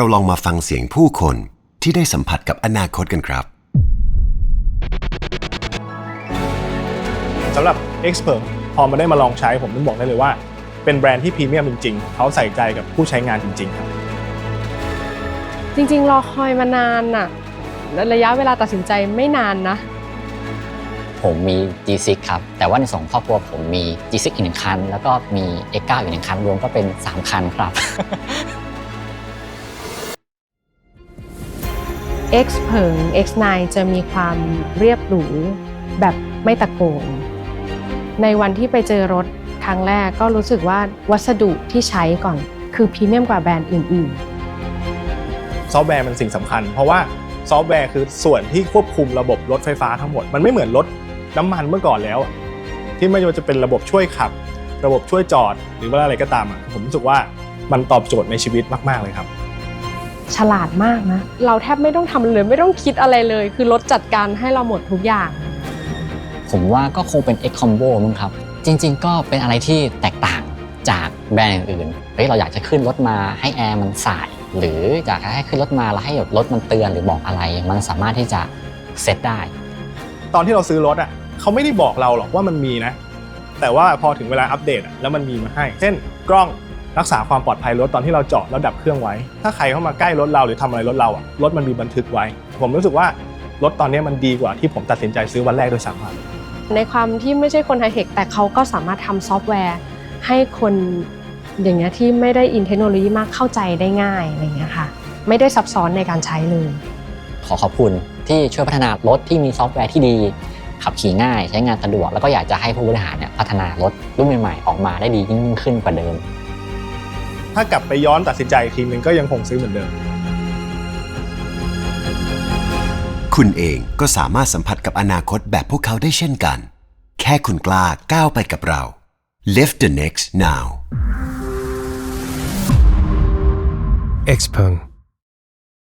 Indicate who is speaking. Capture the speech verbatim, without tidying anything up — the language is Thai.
Speaker 1: เราลองมาฟังเสียงผู้คนที่ได้สัมผัสกับอนาคตกันครับ
Speaker 2: สำหรับ Xpeng พอมาได้มาลองใช้ผมต้องบอกได้เลยว่าเป็นแบรนด์ที่พรีเมียมจริงๆเขาใส่ใจกับผู้ใช้งานจริงๆครับ
Speaker 3: จริงๆรอคอยมานานน่ะระยะเวลาตัดสินใจไม่นานนะ
Speaker 4: ผมมี จี ซิก ครับแต่ว่าในสองครอบครัวผมมี จี ซิก อีกหนึ่งคันแล้วก็มี เอ็กซ์ ไนน์ อีกหนึ่งคันรวมก็เป็นสามคันครับ
Speaker 3: Xpeng เอ็กซ์ ไนน์ จะมีความเรียบหรูแบบไม่ตะโกนในวันที่ไปเจอรถครั้งแรกก็รู้สึกว่าวัสดุที่ใช้ก่อนคือพรีเมียมกว่าแบรนด์อื่น
Speaker 2: ๆซอฟต์แวร์มันสิ่งสำคัญเพราะว่าซอฟต์แวร์คือส่วนที่ควบคุมระบบรถไฟฟ้าทั้งหมดมันไม่เหมือนรถน้ำมันเมื่อก่อนแล้วที่ไม่ว่าจะเป็นระบบช่วยขับระบบช่วยจอดหรือว่าอะไรก็ตามอ่ะผมรู้สึกว่ามันตอบโจทย์ในชีวิตมากๆเลยครับ
Speaker 3: ฉลาดมากนะเราแทบไม่ต้องทำเลยไม่ต้องคิดอะไรเลยคือรถจัดการให้เราหมดทุกอย่าง
Speaker 4: ผมว่าก็คงเป็น X Combo มั้งครับจริงๆก็เป็นอะไรที่แตกต่างจากแบรนด์อื่นๆเฮ้ยเราอยากจะขึ้นรถมาให้แอร์มันส่ายหรืออยากให้ขึ้นรถมาแล้วให้รถมันเตือนหรือบอกอะไรมันสามารถที่จะเซตได้
Speaker 2: ตอนที่เราซื้อรถอ่ะเขาไม่ได้บอกเราหรอกว่ามันมีนะแต่ว่าพอถึงเวลาอัปเดตแล้วมันมีมาให้เช่นกล้องรักษาความปลอดภัยรถตอนที่เราจอดแล้วดับเครื่องไว้ถ้าใครเข้ามาใกล้รถเราหรือทำอะไรรถเราอ่ะรถมันมีบันทึกไว้ผมรู้สึกว่ารถตอนนี้มันดีกว่าที่ผมตัดสินใจซื้อวันแรกด้วยซ้ำ
Speaker 3: ในความที่ไม่ใช่คนไฮเทคแต่เขาก็สามารถทำซอฟต์แวร์ให้คนอย่างเงี้ยที่ไม่ได้อินเทคโนโลยีมากเข้าใจได้ง่ายอะไรเงี้ยค่ะไม่ได้ซับซ้อนในการใช้เลย
Speaker 4: ขอขอบคุณที่ช่วยพัฒนารถที่มีซอฟต์แวร์ที่ดีขับขี่ง่ายใช้งานสะดวกแล้วก็อยากจะให้ผู้บริหารเนี่ยพัฒนารถรุ่นใหม่ๆออกมาได้ดียิ่งขึ้นกว่าเดิม
Speaker 2: ถ้ากลับไปย้อนตัดสินใจอีกทีนึงก็ยังคงซื้อเหมือนเดิม
Speaker 1: คุณเองก็สามารถสัมผัสกับอนาคตแบบพวกเขาได้เช่นกันแค่คุณกล้าก้าวไปกับเรา Live the next now
Speaker 5: Xpeng